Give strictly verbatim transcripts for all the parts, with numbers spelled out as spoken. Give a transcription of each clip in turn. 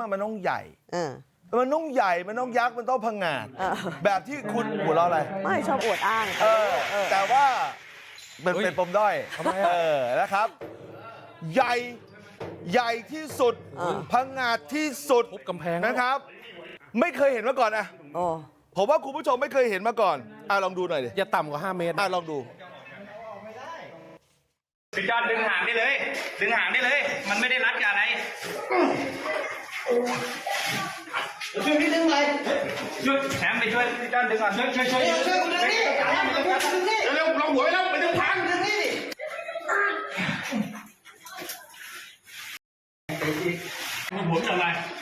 มันต้องใหญ่เออมันต้องใหญ่มันต้องยักษ์มันต้องพังงาดแบบที่คุณหัวเราะอะไรไม่ชอบอวดอ้างเออแต่ว่ามันเป็นปมด้อยเออนะครับ ใหญ่ใหญ่ที่สุดพังงาดที่สุดทุบกำแพงนะครับ ไม่เคยเห็นมาก่อนอะโอ้ผมว่าคุณผู้ชมไม่เคยเห็นมาก่อนอ่ะลองดูหน่อยดิอย่าต่ำกว่าห้าเมตรอ่ะลองดูพี่จอนดึงหางได้เลย ดึงหางได้เลย มันไม่ได้รัดกับอะไรช่วยพี่ดึงเลยช่วยแถมไปช่วยพี่จอนดึงก่อนช่วยช่วยช่วยช่วยดึงนี่เร็วลงหัวแล้วไปดึงทางดึงนี่มีหัวอะไร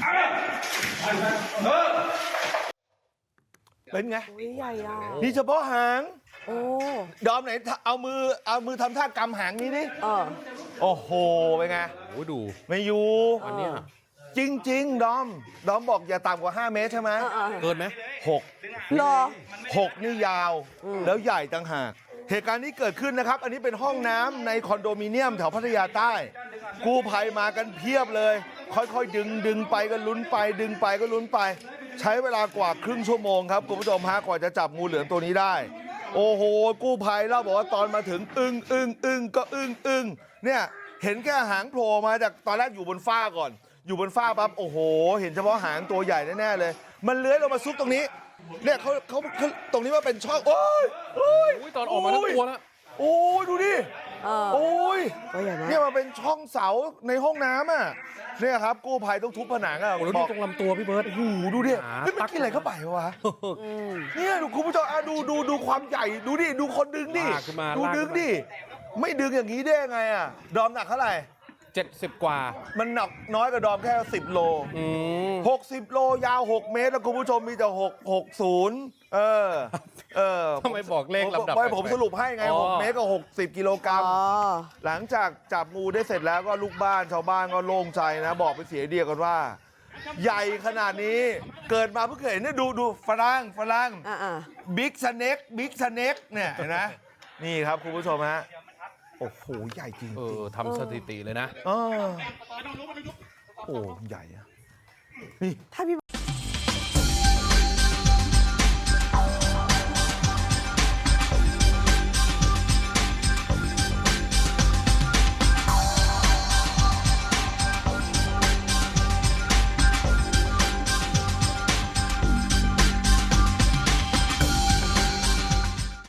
เออเป็นไงโหใหญ่อะนี่เฉพาะหางโอ้ดอมไหนเอามือเอามือทำท่ากำหางนี้ดิเออโอ้โหเป็นไงโอ้ยดูไม่อยู่อันเนี้ยจริง ๆ ดอม ดอมบอกอย่าต่ำกว่าห้าเมตรใช่ไหมเออเออเกินไหมหกรอหกนี่ยาว แล้วใหญ่ต่างหาก เหตุการณ์นี้เกิดขึ้นนะครับ อันนี้เป็นห้องน้ำในคอนโดมิเนียมแถวพัทยาใต้ กู้ภัยมากันเพียบเลย ค่อยๆ ดึงดึงไปก็ลุ้นไป ดึงไปก็ลุ้นไป ใช้เวลากว่าครึ่งชั่วโมงครับคุณผู้ชมฮะกว่าจะจับงูเหลือมตัวนี้ได้ โอ้โห กู้ภัยเล่าบอกว่าตอนมาถึงอึ้งอึ้งอึ้งก็อึ้งอึ้งเนี่ยเห็นแค่หางโผล่มาจากตอนแรกอยู่บนฟ้าก่อน อยู่บนฟ้าปั๊บโอ้โห เห็นเฉพาะหางตัวใหญ่แน่ๆเลย มันเลื้อยลงมาซุกตรงนี้ เนี่ยเขาเขาเขาตรงนี้ว่าเป็นช่องโอ้ยโอ้ยอุ้ยตอนออกมาทั้งตัวแล้วโอ้ยดูดิเออโอ้ยตัวใหญ่มากเนี่ยมันเป็นช่องเสาในห้องน้ำอ่ะเนี่ยครับกู้ภัยต้องทุบผนังอ่ะโอ้แล้วบดูอกตรงลำตัวพี่เบิร์ตโอ้โหดูดิหาเฮ้ยมันกินอะไรเข้าไปวะอืมเนี่ยดูคุณผู้ชมอ่ะดูดูดูความใหญ่ดูดิดูคนดึงดิลากขึ้นมาดูลากดึขึ้งนมาดิไม่ดึงอย่างนี้ได้ยังไงอ่ะดอมหนักเท่าไหร่เจ็ดสิบกว่ามันหนักน้อยกว่าดอมแค่สิบโลอืมหกสิบโลยาวหกเมตรแล้วคุณผู้ชมมีแต่หก หกศูนย์เออเออทำไมบอกเลขลำดับไม่ผมสรุปให้ไงอ๋อหกเมตรกับหกสิบกิโลกรัมอ๋อหลังจากจับงูได้เสร็จแล้วก็ลูกบ้านชาวบ้านก็โล่งใจนะ บอกเป็นเสียงเดียวกันว่า ใหญ่ขนาดนี้เกิดมาเพิ่งเคยเห็นเนี่ยดูดูฝรั่งฝรั่งอ่าอ่าบิ๊กสเน็กบิ๊กสเน็กเนี่ยเห็นไหมนี่ครับคุณผู้ชมฮะโอ้โหใหญ่จริงเอจริงอทำสถิติเลยนะเออโอ้ใหญ่อะนี่ถ้าพี่